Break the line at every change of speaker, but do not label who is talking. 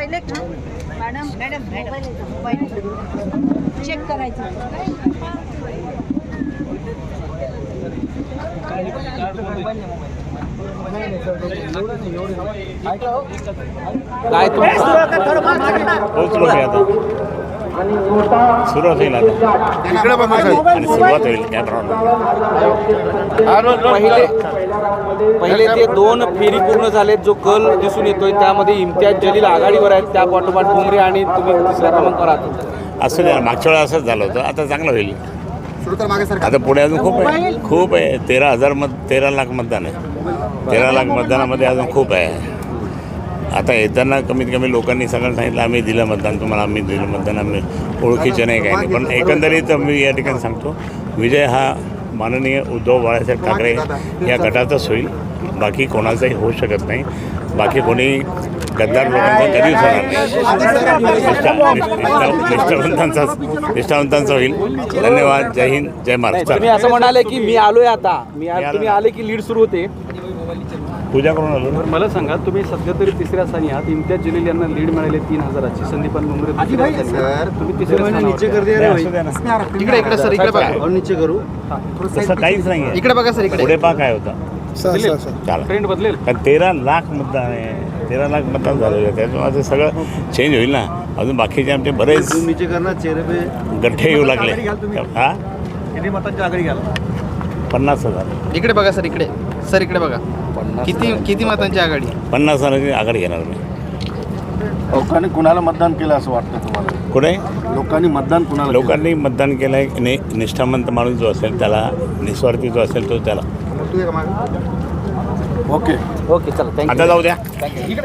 Direct madam madam mobile check करायचं.
काय पोहोचलो मी आता सुरुवात होईल आता आणि सुरुवात होईल
पहिले ते 2 फेरी पूर्ण झालेत. जो कल दिसून येतोय त्यामध्ये इम्तियाज जलील आघाडीवर आहेत, त्या पाठोपाठ बुमरे आणि तुम्ही तिसऱ्या क्रमांकावर आहात.
असं नाही, मागच्या वेळा असंच झालं होतं. आता चांगलं होईल. आता पुढे अजून खूप आहे 13 लाख मतदान आहे. 13 लाख मतदानामध्ये अजून खूप आहे. आता येताना कमीत कमी लोकांनी सगळं सांगितलं आम्ही दिलं मतदान तुम्हाला, आम्ही दिलं मतदान, आम्ही ओळखीचे नाही काही नाही. पण एकंदरीत मी या ठिकाणी सांगतो विजय हा माननीय उद्धव बाळासाहेब ठाकरे या गटाचाच होईल. बाकी कोणाचाही होऊ शकत नाही. बाकी कोणी गद्दार लोकांचा कधीच होणार नाही. निष्ठावंतांचा होईल. धन्यवाद. जय हिंद, जय महाराष्ट्र.
तुम्ही असं म्हणाले की मी आलोय आता, तुम्ही आले की लीड सुरू होते.
पूजा करून आलो.
मला सांगा, तुम्ही सध्या तरी तिसऱ्या स्थानी आहात. इम्तियाज जलील यांना लीड मिळाली 3000ची. संदीपान बुमरे तुम्ही तिसऱ्या स्थानावर. इकडे सर, इकडे बघा. नीचे करू
तसं काहीच नाही आहे.
इकडे बघा सर, इकडे
पुढे पहा काय होता.
ट्रेंड बदलेल.
कारण 13 लाख मतदान आहे. 13 लाख मतदान झालेलं आहे. त्याच्यामुळे सगळं चेंज होईल ना. अजून बाकीचे आमचे बरेच गठ्ठे येऊ लागले. हा,
किती मतांची आघाडी घ्याल?
50,000.
इकडे बघा सर, इकडे सर, इकडे बघा. किती मतांची आघाडी?
50,000ची आघाडी घेणार मी.
लोकांनी कुणाला मतदान केलं असं वाटतं तुम्हाला?
कुठे
लोकांनी मतदान कुणाला?
लोकांनी मतदान केलं आहे. निष्ठावंत माणूस जो असेल त्याला, निस्वार्थी जो असेल तो त्याला.
ओके
चला,
आता जाऊ द्या.